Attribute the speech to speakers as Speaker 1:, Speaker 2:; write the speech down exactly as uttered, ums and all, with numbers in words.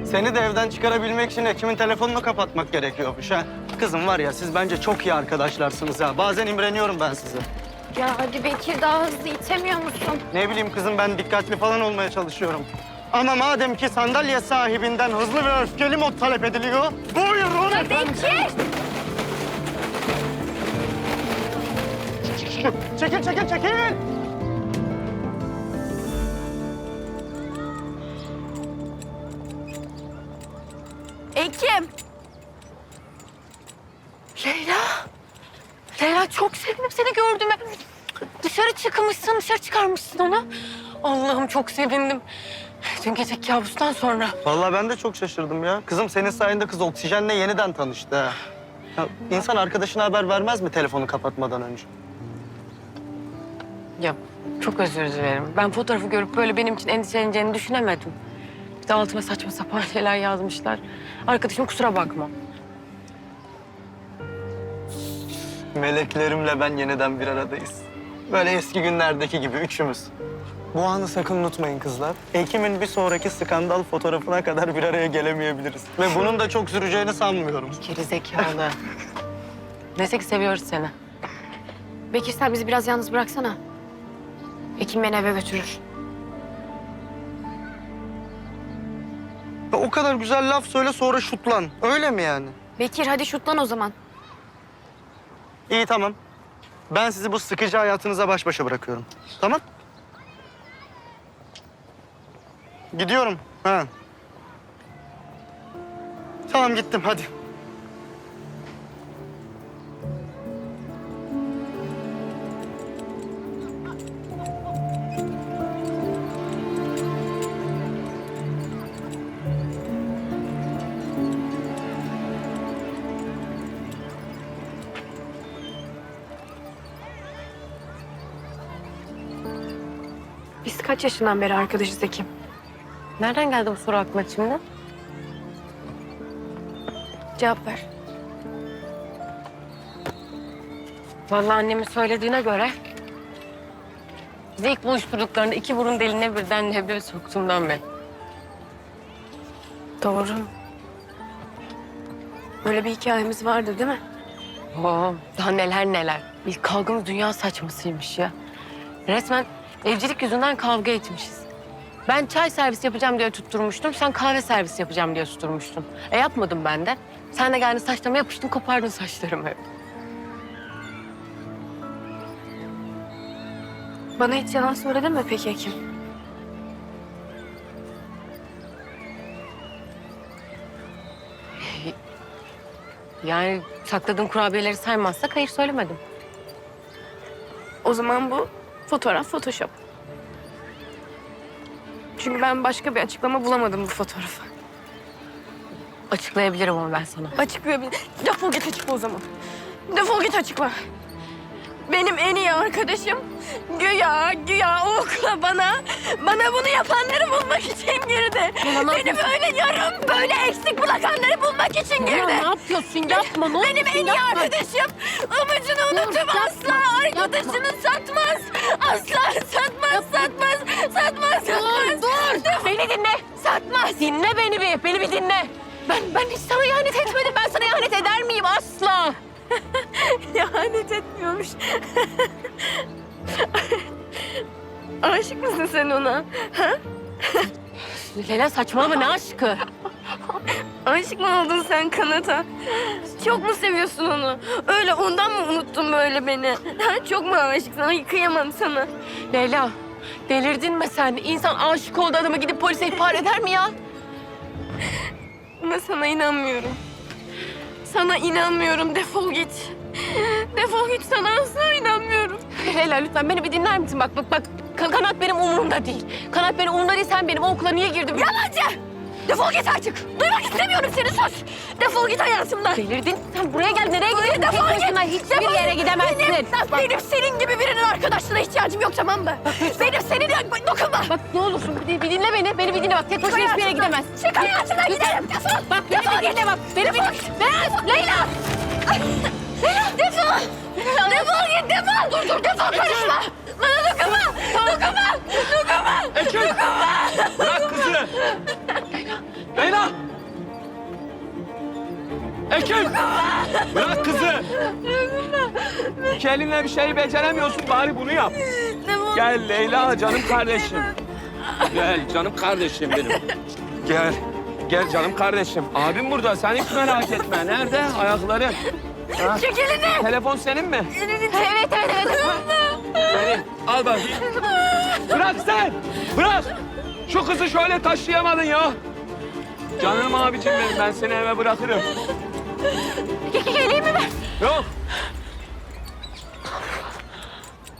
Speaker 1: Seni de evden çıkarabilmek için Ekim'in telefonunu kapatmak gerekiyormuş ha. Kızım var ya, siz bence çok iyi arkadaşlarsınız ha. Bazen imreniyorum ben size.
Speaker 2: Ya hadi Bekir, daha hızlı itemiyor musun?
Speaker 1: Ne bileyim kızım, ben dikkatli falan olmaya çalışıyorum. Ama madem ki sandalye sahibinden hızlı ve öfkeli mod talep ediliyor, buyurun
Speaker 2: Ya
Speaker 1: efendim.
Speaker 2: Bekir!
Speaker 1: Çekil, çekil, çekil!
Speaker 2: Ekim! Leyla! Leyla, çok sevindim seni gördüğüme. Dışarı çıkmışsın, dışarı çıkarmışsın onu. Allah'ım çok sevindim. Dün gece kabustan sonra.
Speaker 1: Vallahi ben de çok şaşırdım ya. Kızım senin sayende kız oksijenle yeniden tanıştı ha. Ya, insan arkadaşına haber vermez mi telefonu kapatmadan önce?
Speaker 3: Ya çok özür dilerim. Ben fotoğrafı görüp böyle benim için endişeleneceğini düşünemedim. Bir de altıma saçma sapan şeyler yazmışlar. Arkadaşım kusura bakma.
Speaker 1: Meleklerimle ben yeniden bir aradayız. Böyle eski günlerdeki gibi üçümüz. Bu anı sakın unutmayın kızlar. Ekim'in bir sonraki skandal fotoğrafına kadar bir araya gelemeyebiliriz. Ve bunun da çok süreceğini sanmıyorum.
Speaker 3: Geri zekalı. Neyse ki seviyoruz seni.
Speaker 2: Bekir, sen bizi biraz yalnız bıraksana. Ekim beni eve götürür.
Speaker 1: Ya o kadar güzel laf söyle sonra şutlan. Öyle mi yani?
Speaker 2: Bekir, hadi şutlan o zaman.
Speaker 1: İyi tamam. Ben sizi bu sıkıcı hayatınıza baş başa bırakıyorum. Tamam? Gidiyorum. Ha. Tamam gittim hadi.
Speaker 2: Biz kaç yaşından beri arkadaşız Ekim?
Speaker 3: Nereden geldi bu soru aklına şimdi?
Speaker 2: Cevap ver.
Speaker 3: Vallahi annemin söylediğine göre... bizi ilk buluşturduklarında iki burun deliğine birden leblebi soktuğumdan beri.
Speaker 2: Doğru. Böyle bir hikayemiz vardı değil mi?
Speaker 3: Oo, daha neler neler. İlk kavgamız dünya saçmasıymış ya. Resmen evcilik yüzünden kavga etmişiz. Ben çay servis yapacağım diye tutturmuştum. Sen kahve servis yapacağım diye tutturmuştun. E yapmadım ben de. Sen de geldin saçlarıma yapıştın, kopardın saçlarımı.
Speaker 2: Bana hiç yalan söyledin mi peki Ekim?
Speaker 3: Yani sakladığın kurabiyeleri saymazsak hayır söylemedim.
Speaker 2: O zaman bu fotoğraf Photoshop. Çünkü ben başka bir açıklama bulamadım bu fotoğrafa.
Speaker 3: Açıklayabilirim ama ben sana.
Speaker 2: Açıklayabilir. Defol git açıkla o zaman. Defol git açıkla. Benim en iyi arkadaşım güya güya o okula bana bana bunu yapanları bulmak için girdi.
Speaker 3: Ulan ne
Speaker 2: Beni böyle yarım böyle eksik bırakanları bulmak için
Speaker 3: Ya
Speaker 2: girdi.
Speaker 3: ne yapıyorsun? Yapma ne
Speaker 2: Benim en iyi arkadaşım amacını unutup
Speaker 3: yapma,
Speaker 2: asla arkadaşını satmaz. Asla satmaz, satmaz, satmaz, satmaz.
Speaker 3: Dur, dur. Beni dinle.
Speaker 2: Satmaz.
Speaker 3: Dinle beni bir, beni bir dinle. Ben ben hiç sana ihanet etmedim. Ben sana ihanet eder miyim asla?
Speaker 2: İhanet etmiyormuş. Aşık mısın sen ona? Ha?
Speaker 3: Leyla saçmalama ne aşkı?
Speaker 2: Aşık mı oldun sen Kanat'a? Çok mu seviyorsun onu? Öyle ondan mı unuttun böyle beni? Ha? Çok mu aşık sana? Kıyamam sana.
Speaker 3: Leyla delirdin mi sen? İnsan aşık olduğu adama gidip polise ihbar eder mi ya?
Speaker 2: Ama sana inanmıyorum. Sana inanmıyorum. Defol git. Defol git, sana asla inanmıyorum.
Speaker 3: Leyla lütfen beni bir dinler misin? Bak bak bak Ka- Kanat benim umurumda değil. Kanat benim umurumda değil, sen benim o okula niye girdin?
Speaker 2: Yalancı! Defol git artık. Duymak istemiyorum seni, sus. Defol git hayatımdan.
Speaker 3: Delirdin sen, buraya gel, nereye gidiyorsun?
Speaker 2: Defol
Speaker 3: Tek
Speaker 2: git.
Speaker 3: başına hiçbir
Speaker 2: Defol
Speaker 3: yere
Speaker 2: git.
Speaker 3: gidemezsin.
Speaker 2: Benim, benim senin gibi birinin arkadaşlığına ihtiyacım yok, tamam mı? Benim senin dokunma.
Speaker 3: Bak ne olursun bir, bir dinle beni, beni bir dinle bak. Tek başına hiçbir yere
Speaker 2: hayatımdan.
Speaker 3: gidemez.
Speaker 2: Çık hayatımdan, giderim. Defol.
Speaker 3: Bak beni
Speaker 2: Defol
Speaker 3: bir dinle bak. Beni bir
Speaker 2: Defol.
Speaker 3: Leyla!
Speaker 2: Leyla! Defol! Defol git, defol! Dur dur, defol, karışma! Bana dokunma! Dokunma! Dokunma!
Speaker 4: Ekim!
Speaker 2: Dokunma!
Speaker 4: Bırak kızı! Leyla! Ekim! Bırak kızı! İki elinle bir şeyi beceremiyorsun, bari bunu yap. Gel Leyla, canım kardeşim. Gel canım kardeşim benim. Gel. Gel canım kardeşim. Abim burada, sen hiç merak etme. Nerede ayakların? Ha?
Speaker 2: Çek elini.
Speaker 4: Telefon senin mi?
Speaker 2: Evet, evet, evet.
Speaker 4: Senin. Al bakayım. Bırak sen! Bırak! Şu kızı şöyle taşıyamadın ya. Canım abicim benim, ben seni eve bırakırım.
Speaker 2: Geleyim mi ben?
Speaker 4: Yok.